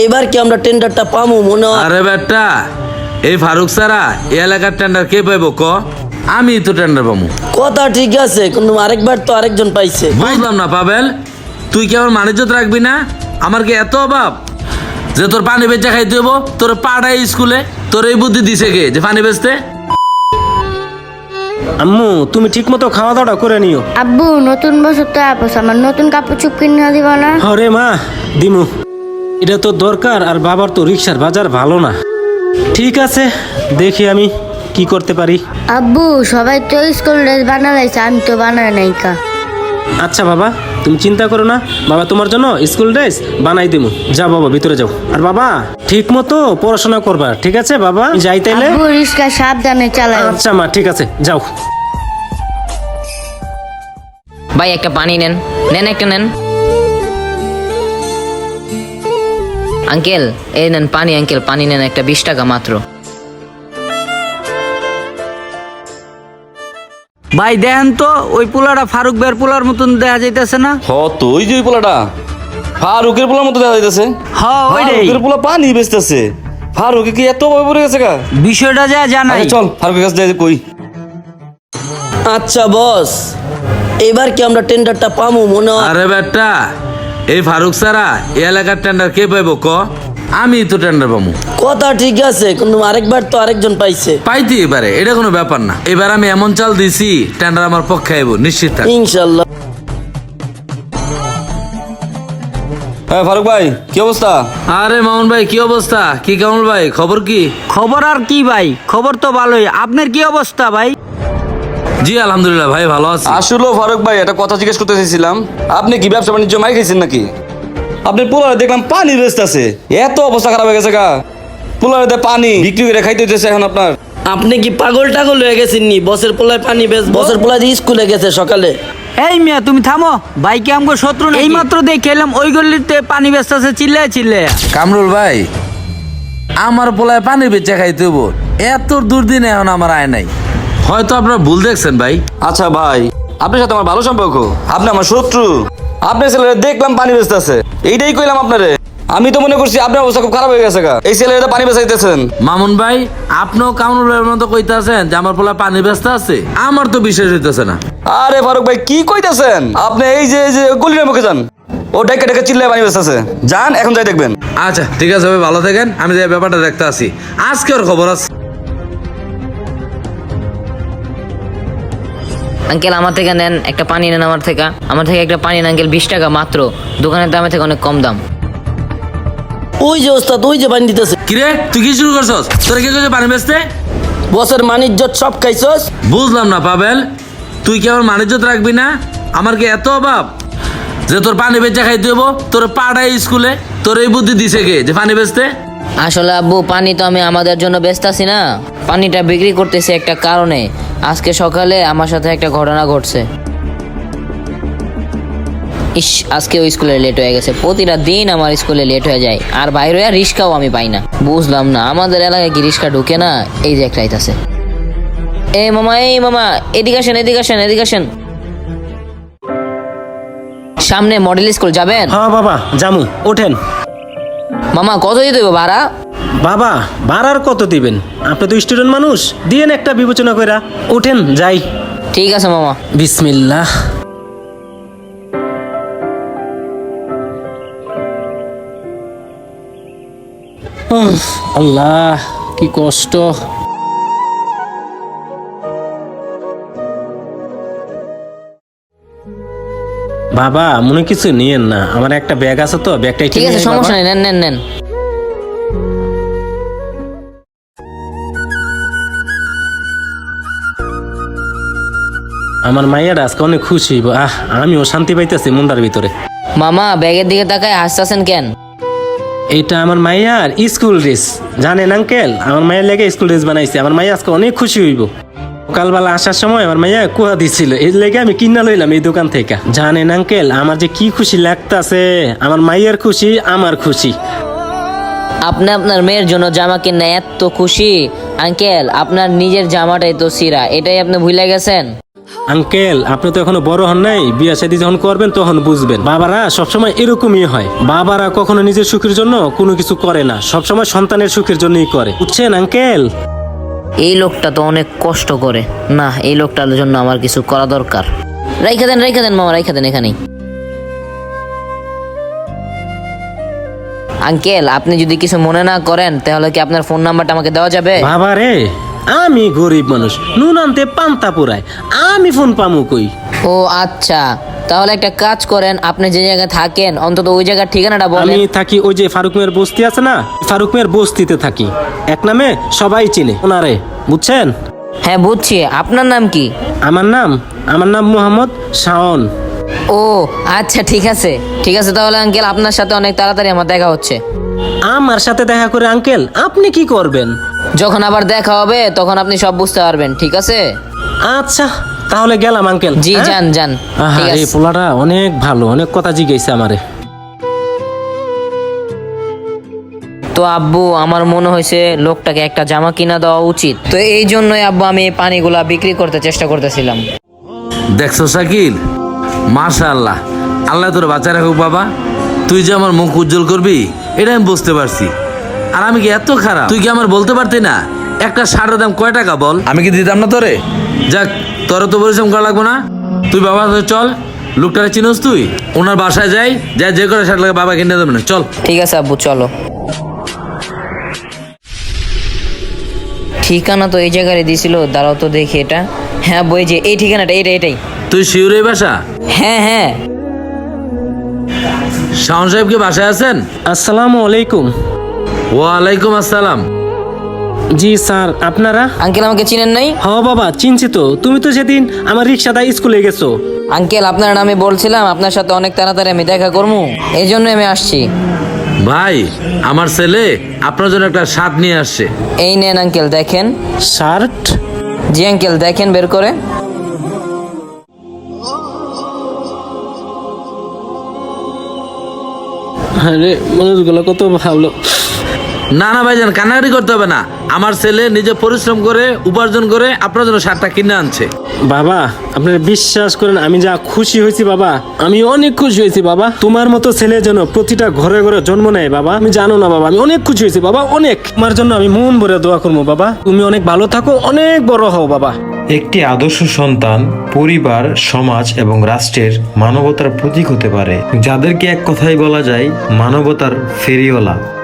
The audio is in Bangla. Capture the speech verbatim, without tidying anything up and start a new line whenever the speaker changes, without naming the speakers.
এবার কি আমরা টেন্ডারটা পামু মনে হয়?
আরে বেটা, এই ফারুক সারা এই এলাকার টেন্ডার কে পাইব ক? আমি তো টেন্ডার পাবো।
কথা ঠিক আছে, কিন্তু আরেকবার তো আরেকজন পাইছে।
বুঝলাম না পাবেল, তুই কি আমার মানিজ্যত রাখবি না? আমার কি এত অভাব যে তোর পানি বেচা খাইতে হবো? তোর পাড়ায় স্কুলে তোর এই বুদ্ধি দিছে কে যে পানি বেচতে?
আম্মু তুমি ঠিক মতো খাওয়া দাওয়া করে নিও।
আব্বু নতুন বছর তো আপস আমার নতুন কাপড় চুপ কিনে দিব না?
হরে মা দিমু, এটা তো দরকার। আর বাবার তো রিক্সার বাজার ভালো না। ঠিক আছে, দেখি আমি কি করতে পারি।
আব্বু সবাই তো স্কুল ড্রেস বানালাইছে, আমি তো বানাই নাই কা।
আচ্ছা বাবা, তুমি চিন্তা করো না, বাবা তোমার জন্য স্কুল ড্রেস বানাই দিমু। যাও বাবা, ভিতরে যাও। আর বাবা ঠিক মতো পড়াশোনা করবা, ঠিক আছে বাবা? যাই তাইলে।
আব্বু রিক্সা সাবধানে চালাও।
আচ্ছা মা, ঠিক আছে, যাও।
ভাই একটা পানি নেন, নেন একটা নেন। আঙ্কেল এই নেন পানি, আঙ্কেল পানি নেন একটা, বিশ টাকা মাত্র।
ভাই দেখেন তো ওই পোলাটা ফারুক বের পোলার মতন দেখা যাইতেছে না?
হ তো ওই যে ওই পোলাটা ফারুকের পোলার মতো দেখা যাইতেছে।
হ্যাঁ ওইটাই।
ফারুকের পোলা পানি বেচতেছে। ফারুকে কি এত ভয় পড়ে গেছে গা?
বিষয়টা যা জানাই।
আচ্ছা, চল ফারুকের কাছে যাই কই।
আচ্ছা বস, এবার কি আমরা টেন্ডারটা পামু মনে হয়?
আরে বেটা, এই ফারুক সারা এই এলাকার টেন্ডার কে পাইব ক? আমি তো টেন্ডার পাবো।
কথা ঠিক আছে, কিন্তু আরেকবার তো আরেকজন পাইছে।
পাইতে এবারে এটা কোনো ব্যাপার না। এবার আমি এমন চাল দিছি টেন্ডার আমার পক্ষে আইব, নিশ্চিত থাক।
ইনশাল্লাহ।
হ্যাঁ ফারুক ভাই, কি অবস্থা?
আরে মামুন ভাই, কি অবস্থা? কি কামল ভাই, খবর কি?
খবর আর কি ভাই, খবর তো ভালোই। আপনার কি অবস্থা ভাই?
জি আলহামদুলিল্লাহ ভাই, ভালো আছি।
আসলে ফারুক ভাই একটা কথা জিজ্ঞেস করতে চাইছিলাম, আপনি কি ব্যবসা বাণিজ্য মাই খাইছেন নাকি? আপনি পোলারে দেখলাম পানি বেচতেছে, এত অবস্থা খারাপ হয়ে গেছে গা। পোলারে পানি বিক্রি করে খাইতে হইতেছে এখন আপনার।
আপনি কি পাগল টাগল হয়ে গেছেন নি? বসের পোলায় পানি বেচ, বসের পোলায় দিয়ে স্কুলে গেছে সকালে।
এই মিয়া তুমি থামো, ভাই কি আমগো শত্রু না? এই মাত্র দেখে এলাম ওই গল্লিতে পানি বেচতেছে চিল্লায় চিল্লায়।
কামরুল ভাই, আমার পোলায় পানি বেচা খাইতে হবো, এত দুর্দিন এখন আমার আয় নাই। হয়তো আপনারা ভুল দেখছেন ভাই।
আচ্ছা ভাই, আপনার সাথে আমার ভালো সম্পর্ক, আপনি আমার শত্রু। আপনার ছেলেরা দেখলাম পানি বেচতেছে, এইটাই কইলাম আপনারে। আমি তো মনে করছি আপনার অবস্থা খুব খারাপ হয়ে গেছে গা, এই ছেলেরা পানি বেচাইতেছেন।
মামুন ভাই, আপনিও কামরুল ভাইয়ের মতো কইতাছেন যে আমার পোলা পানি বেচতে আছে? আমার তো বিশ্বাস হইতেছে না।
আরে ফারুক ভাই কি কইতাছেন আপনি? এই যে এই যে গলির মুখে যান, ও ডেকে ডেকে চিল্লায় পানি বেচতেছে। যান এখন যাই দেখবেন।
আচ্ছা ঠিক আছে ভাই, ভালো থাকেন, আমি যে ব্যাপারটা দেখতে আসি। আজকে ওর খবর আছে।
আঙ্কেল আমার থেকে নেন একটা পানি নেন, আমার থেকে আমার থেকে একটা পানি নেন আঙ্কেল, বিশ টাকা মাত্র। দোকানের দামের থেকে অনেক কম দাম।
ওই যে ওস্তাদ, ওই যে পানি দিতেছে।
কিরে তুই কি শুরু করছস? তোরা কি করছিস পানি বেচতে?
বসের মানিজ্জত সব খাইছস।
বুঝলাম না পাবেল, তুই কি আমার মানিজ্যত রাখবি না? আমার কি এত অভাব যে তোর পানি বেচা খাইতে হবো? তোর পাড়ায় স্কুলে তোর এই বুদ্ধি দিছে কে যে পানি বেচতে?
আসলে আব্বু পানি তো আমি আমাদের জন্য বেচতাছি না, পানিটা বিক্রি করতেছি একটা কারণে। আজকে সকালে আমার সাথে একটা ঘটনা ঘটছে। ইস, আজকে ওই স্কুলে লেট হয়ে গেছে। প্রতিটা দিন আমার স্কুলে লেট হয়ে যায়, আর বাইরে আর রিক্সাও আমি পাই না। বুঝলাম না আমাদের এলাকায় কি রিক্সা ঢুকে না? এই যে একটা আইতাছে। এই মামা, এই মামা এদিকে আসেন, এদিকে আসেন, এদিকে আসেন। সামনে মডেল স্কুল যাবেন?
হ্যাঁ বাবা জামু, ওঠেন।
মামা কত দিতে হবে ভাড়া?
বাবা ভাড়ার কত দিবেন? আপনি তো স্টুডেন্ট মানুষ, দিয়েন একটা বিবেচনা কইরা। ওঠেন যাই।
ঠিক আছে মামা।
বিসমিল্লাহ। উফ, আল্লাহ কি কষ্ট। বাবা মনে কিছু নিয়েন না, আমার একটা ব্যাগ আছে তো, ব্যাগটা একটু
ঠিক আছে
নিয়ে আয়
সমস্যা
বাবা।
নেই, নেন নেন নেন।
আমার মাইয়াটা আজকে অনেক খুশি হইব। আহ আমিও শান্তি পাইতেছি মন্দার ভিতরে।
মামা ব্যাগের দিকে তাকায় হাসতেছেন কেন?
এটা আমার মাইয়ার স্কুল ড্রেস, জানেন আঙ্কেল? আমার মায়ের লেগে স্কুল ড্রেস বানাইছে। আমার মাইয়া আজকে অনেক খুশি হইব। সকালবেলা আসার সময় আমার মাইয়া কুয়া দিছিল, এই লেগে আমি কিনা লইলাম এই দোকান থেকে। জানেন আঙ্কেল আমার যে কি খুশি লাগতাছে, আমার মাইয়ার খুশি আমার খুশি।
আপনি আপনার মেয়ের জন্য জামা কিনে এত খুশি? আঙ্কেল আপনার নিজের জামাটাই তো ছিঁড়া, এটাই আপনি ভুলে গেছেন।
আঙ্কেল আপনি তো এখনো বড় হন নাই, বিয়ে শাদী যখন করবেন তখন বুঝবেন। বাবারা সবসময় এরকমই হয়, বাবারা কখনো নিজের সুখের জন্য কোনো কিছু করে না, সবসময় সন্তানের সুখের জন্যই করে, বুঝছেন আঙ্কেল?
এই লোকটা তো অনেক কষ্ট করে না, এই লোকটার জন্য আমার কিছু করা দরকার। রাইখা দেন রাইখা দেন মামা, রাইখা দেন এখানেই। আঙ্কেল আপনি যদি কিছু মনে না করেন তাহলে কি আপনার ফোন নাম্বারটা আমাকে দেওয়া যাবে?
বাবা রে, আমি গরিব মানুষ, নুন আনতে পান্তা পুরায়, আমি ফোন পামু কই?
ও আচ্ছা, তাহলে একটা কাজ করেন, আপনি যে জায়গায় থাকেন অন্তত ওই জায়গার ঠিকানাটা
আমি
বলেন।
থাকি ওই যে ফারুক মেয়ের বস্তি আছে না, ফারুক মেয়ের বস্তিতে থাকি, এক নামে সবাই চিনে ওনারে, বুঝছেন?
হ্যাঁ বুঝছি, আপনার নাম কি?
আমার নাম আমার নাম মোহাম্মদ শাওন।
ও আচ্ছা ঠিক আছে ঠিক আছে, তাহলে আঙ্কেল আপনার সাথে অনেক তাড়াতাড়ি আমার দেখা হচ্ছে।
আমার সাথে দেখা করে আঙ্কেল আপনি কি করবেন?
যখন আবার দেখা হবে তখন আপনি সব বুঝতে পারবেন, ঠিক আছে?
আচ্ছা তাহলে গেলাম আঙ্কেল।
জি
হ্যাঁ?
যান যান,
আহা,
ঠিক
এই
আছে।
পোলাটা অনেক ভালো, অনেক কথা জিজ্ঞেস আমারে।
তো আব্বু আমার মনে হয়েছে লোকটাকে একটা জামা কিনা দেওয়া উচিত, তো এই জন্যই আব্বু আমি এই পানিগুলা বিক্রি করতে চেষ্টা করতেছিলাম।
দেখছো শাকিল, মাশাআল্লাহ, আল্লাহ তোর বাঁচা রাখুক বাবা। তুই যে আমার মুখ উজ্জ্বল করবি এটা আমি বুঝতে পারছি। আর আমি কি এত খারাপ? তুই কি আমার বলতে পারতি না একটা শার্টের দাম কয় টাকা বল, আমি কি দিতাম না তোরে? যাক, তোর তো পরিশ্রম করা লাগবো না। তুই বাবা চল, লোকটারে চিনোস তুই? ওনার বাসায় যাই, যাই যে করে শার্ট লাগে বাবা কিনে দেবে না, চল।
ঠিক আছে আব্বু চলো। ঠিকানা তো এই জায়গায় দিয়েছিল, দাঁড়াও তো দেখি এটা। হ্যাঁ বই যে এই ঠিকানাটা, এইটা এটাই।
তুই শিউর এই বাসা?
হ্যাঁ হ্যাঁ।
শাওন সাহেব কি বাসায় আছেন?
আসসালামু আলাইকুম।
ওয়ালাইকুম আসসালাম।
জি স্যার, আপনারা?
আঙ্কেল আমাকে চিনেন নাই?
হ বাবা চিনছি তো, তুমি তো সেদিন আমার রিক্সাটা স্কুলে গেছো।
আঙ্কেল আপনার নামে বলছিলাম, আপনার সাথে অনেক তাড়াতাড়ি আমি দেখা করবো, এই জন্য আমি আসছি।
ভাই, আমার ছেলে আপনার জন্য একটা শার্ট নিয়ে আসছে।
এই নেন আঙ্কেল দেখেন।
শার্ট?
জি আঙ্কেল দেখেন বের করে।
আরে মানুষগুলো কত ভালো।
না না ভাইজান, কান্নাকাটি করতে হবে না। আমার ছেলে নিজে পরিশ্রম করে উপার্জন করে আপনার জন্য শার্টটা কিনে আনছে।
বাবা আপনারা বিশ্বাস করেন আমি যা খুশি হয়েছি বাবা, আমি অনেক খুশি হয়েছি বাবা। তোমার মতো ছেলে যেন প্রতিটা ঘরে ঘরে জন্ম নেয় বাবা, আমি জানো না বাবা, আমি অনেক খুশি হয়েছি বাবা, অনেক। তোমার জন্য আমি মন ভরে দোয়া করবো বাবা, তুমি অনেক ভালো থাকো, অনেক বড় হও বাবা।
একটি আদর্শ সন্তান পরিবার, সমাজ এবং রাষ্ট্রের মানবতার প্রতীক হতে পারে, যাদেরকে এক কথায় বলা যায় মানবতার ফেরিওয়ালা।